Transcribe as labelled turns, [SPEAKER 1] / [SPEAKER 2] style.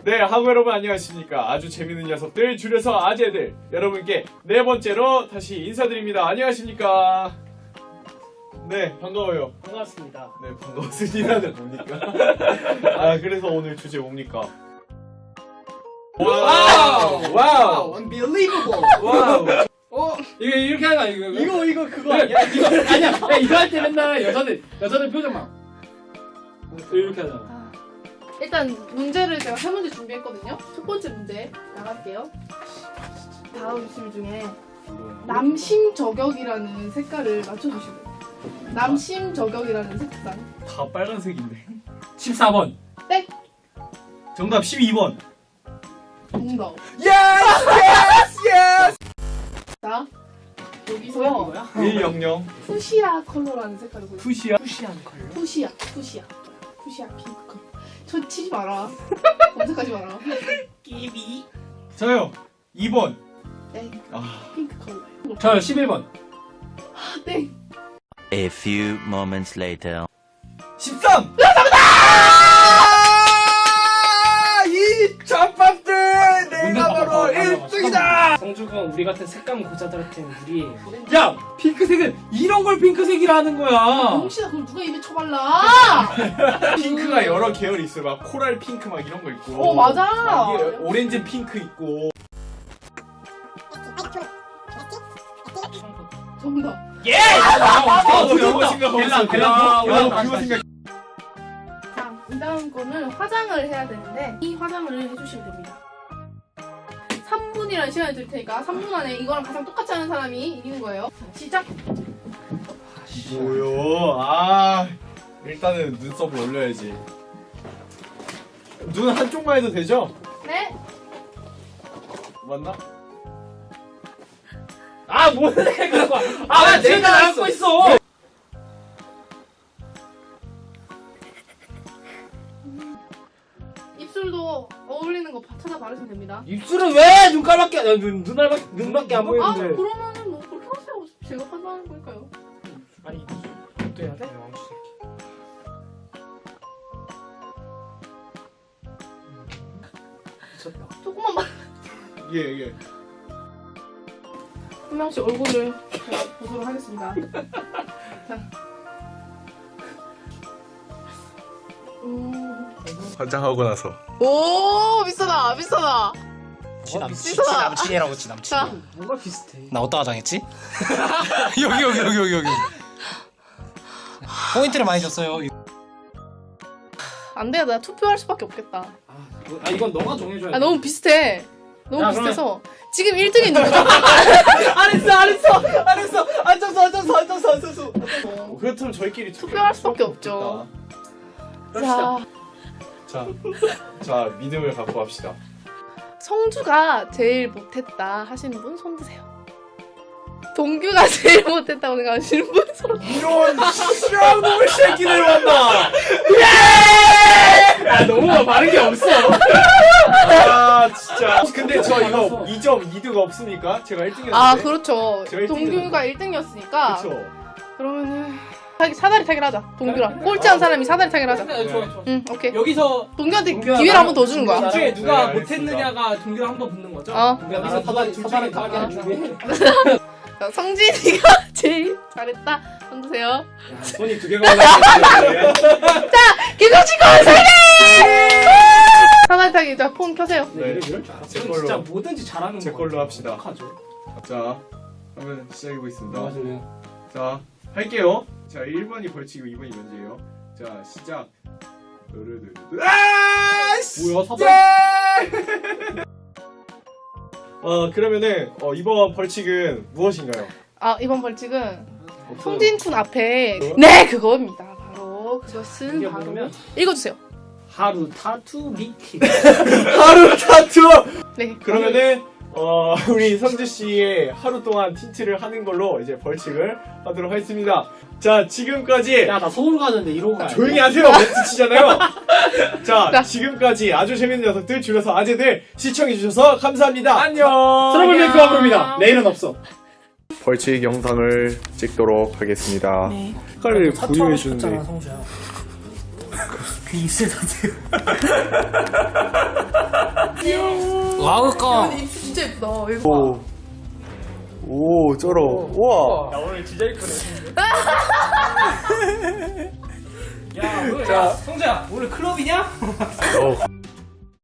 [SPEAKER 1] 네, 하고 여러분 안녕하십니까. 아주 재밌는 녀석들 줄여서 아재들 여러분께 네 번째로 다시 인사드립니다. 안녕하십니까. 네, 반가워요.
[SPEAKER 2] 반갑습니다.
[SPEAKER 1] 네, 반갑습니다는 뭡니까? 아, 그래서 오늘 주제 뭡니까? 와우! 와우!
[SPEAKER 2] Unbelievable!
[SPEAKER 1] 와우!
[SPEAKER 2] 이거 이렇게 하는 거 아니야,
[SPEAKER 1] 이거 그거
[SPEAKER 2] 아니야? 이거 아니야. 야, 이거 할 때 맨날 여자들 표정만 이렇게 하잖아.
[SPEAKER 3] 일단 문제를 제가 3문제 준비했거든요. 첫 번째 문제 나갈게요. 다음 줄 중에 남심 저격이라는 색깔을 맞춰주시면 돼요. 남심 저격이라는 색상.
[SPEAKER 1] 다 빨간색인데.
[SPEAKER 2] 14번.
[SPEAKER 3] 땡!
[SPEAKER 1] 정답 12번.
[SPEAKER 3] 정답.
[SPEAKER 1] 예스!
[SPEAKER 3] 자, 여기서
[SPEAKER 2] 뭐야?
[SPEAKER 1] 100.
[SPEAKER 3] 푸시아 컬러라는 색깔을 보여요.
[SPEAKER 2] 푸시한 컬러.
[SPEAKER 3] 푸시아 핑크 컬러. 저 치지 마라. 검색하지 마라.
[SPEAKER 2] 끼비.
[SPEAKER 1] 저요. 2번.
[SPEAKER 3] 네,
[SPEAKER 1] 아,
[SPEAKER 3] 핑크 컬러예요.
[SPEAKER 2] 저 11번.
[SPEAKER 3] 아, 네.
[SPEAKER 4] A few moments later.
[SPEAKER 1] 13! 이 잡밥들! 내가 바로 1등이다!
[SPEAKER 2] 성주건 우리 같은 색감 고자들한테는 무리예요. 야! 핑크색은 이런 걸 핑크색이라는 거야!
[SPEAKER 3] 혹시나 그걸 누가 입에 쳐발라?
[SPEAKER 1] 핑크가 여러 계열이 있어요. 막 코랄 핑크 막 이런 거 있고.
[SPEAKER 3] 맞아.
[SPEAKER 1] 막 이게 오렌지 핑크 있고.
[SPEAKER 3] 정답.
[SPEAKER 2] 예!
[SPEAKER 1] 그거 생각하고 그거 생각.
[SPEAKER 3] 자, 이 다음 거는 화장을 해야 되는데 이 화장을 해주시면 됩니다. 3분이라는 시간을 드릴 테니까 3분 안에 이거랑 가장 똑같이 하는 사람이 이기는 거예요. 자, 시작!
[SPEAKER 1] 뭐요? 아, 일단은 눈썹을 올려야지. 눈 한쪽만 해도 되죠?
[SPEAKER 3] 네!
[SPEAKER 1] 맞나?
[SPEAKER 2] 아, 뭔데, 그거! 아, 내가 알고 있어!
[SPEAKER 3] 입술도 어울리는 거 찾아 바르시면 됩니다.
[SPEAKER 2] 입술은 왜 눈깔밖에, 눈밖에 안
[SPEAKER 3] 아,
[SPEAKER 2] 보이는데.
[SPEAKER 3] 그러면은 뭐 그렇게 하세요. 제가 판단하는 거니까요.
[SPEAKER 2] 아니, 또 해야 돼? 미쳤다.
[SPEAKER 3] 조금만 만
[SPEAKER 1] 예.
[SPEAKER 3] 한 명씩 얼굴을 보도록 하겠습니다. 자.
[SPEAKER 1] 화장하고 나서.
[SPEAKER 3] 오, 비싸다.
[SPEAKER 5] 지 남친이라고 지 남친.
[SPEAKER 3] 자,
[SPEAKER 2] 뭔가 비슷해.
[SPEAKER 5] 나 어디다 화장했지? 여기. 포인트를 많이 줬어요.
[SPEAKER 3] 안 돼. 나 투표할 수밖에 없겠다.
[SPEAKER 2] 아, 이건 너가 정해줘야 돼.
[SPEAKER 3] 아, 너무 비슷해. 너무
[SPEAKER 2] 야,
[SPEAKER 3] 비슷해서 지금 1등이 누구죠?
[SPEAKER 1] 알았어. 앉았어. 그렇다면 저희끼리
[SPEAKER 3] 투표할 수밖에 없죠. 자,
[SPEAKER 1] 자, 믿음을 갖고 합시다.
[SPEAKER 3] 성주가 제일 못했다 하시는 분 손 드세요. 동규가 제일 못했다고 생각하시는 분 손.
[SPEAKER 1] 이런 씨랑놈의 새끼들 만나!
[SPEAKER 2] 아, 너무 바른 게 없어.
[SPEAKER 1] 아, 진짜. 근데 저 이거 2점 2등 없으니까 제가 1등이었는데.
[SPEAKER 3] 아, 그렇죠.
[SPEAKER 1] 제가
[SPEAKER 3] 동규가 1등이었으니까.
[SPEAKER 1] 그쵸.
[SPEAKER 3] 그러면은 사다리 타기를 하자. 동규랑 꼴찌한 사람이 사다리 타기를 하자.
[SPEAKER 2] 좋아.
[SPEAKER 3] 응, 오케이.
[SPEAKER 2] 여기서
[SPEAKER 3] 동규한테
[SPEAKER 2] 동규야,
[SPEAKER 3] 기회를 한 번 더 주는
[SPEAKER 2] 둘
[SPEAKER 3] 거야.
[SPEAKER 2] 중에 누가
[SPEAKER 1] 네,
[SPEAKER 2] 못했느냐가 동규랑 한 번 붙는 거죠?
[SPEAKER 3] 어.
[SPEAKER 2] 여기서 사다리 타기 한 준비해.
[SPEAKER 3] 자, 성진이가 제일 잘했다. 손 드세요.
[SPEAKER 1] 손이 두 개가 올라가요.
[SPEAKER 3] 김성진 건설이! 사다리 타기. 자, 폰 켜세요.
[SPEAKER 1] 네.
[SPEAKER 2] 이럴 줄 알았어.
[SPEAKER 1] 제
[SPEAKER 2] 이건
[SPEAKER 1] 걸로.
[SPEAKER 2] 진짜 뭐든지 잘하는
[SPEAKER 1] 제
[SPEAKER 2] 거
[SPEAKER 1] 걸로 합시다.
[SPEAKER 2] 하죠.
[SPEAKER 1] 자, 그러면 시작해보겠습니다.
[SPEAKER 2] 맞아요.
[SPEAKER 1] 자, 할게요. 자, 1번이 벌칙이고 2번이 면제예요. 자, 시작. 아!
[SPEAKER 2] 뭐야,
[SPEAKER 1] 그러면은 이번 벌칙은 무엇인가요?
[SPEAKER 3] 아, 이번 벌칙은
[SPEAKER 2] 어,
[SPEAKER 3] 성진쿤 앞에 네, 그겁니다. 바로 그것은
[SPEAKER 2] 이게
[SPEAKER 3] 바로
[SPEAKER 2] 뭐냐면
[SPEAKER 3] 읽어주세요.
[SPEAKER 2] 하루 타투 미팅.
[SPEAKER 1] 하루 타투!
[SPEAKER 3] 네.
[SPEAKER 1] 그러면은 우리 성주 씨의 하루 동안 틴트를 하는 걸로 이제 벌칙을 하도록 하겠습니다. 자, 지금까지
[SPEAKER 2] 야, 나 서울 가는데 이러고 가야 돼.
[SPEAKER 1] 조용히 하세요. 멘트 치잖아요. 자, 지금까지 아주 재밌는 녀석들 줄여서 아재들 시청해주셔서 감사합니다. 안녕.
[SPEAKER 2] 트러블 메이크 와브입니다. 내일은 없어.
[SPEAKER 1] 벌칙 영상을 찍도록 하겠습니다.
[SPEAKER 3] 네.
[SPEAKER 1] 색깔을
[SPEAKER 2] 타투하고
[SPEAKER 1] 구입해주는데
[SPEAKER 2] 싶었잖아, 성주야. 귀 있을 것 같아요.
[SPEAKER 5] 와우 껌.
[SPEAKER 3] 입술 진짜 예쁘다. 이거
[SPEAKER 1] 오 쩔어. 우와.
[SPEAKER 2] 야 오늘 진짜 이쁘네. 야 오늘 야 성재야 오늘 클럽이냐?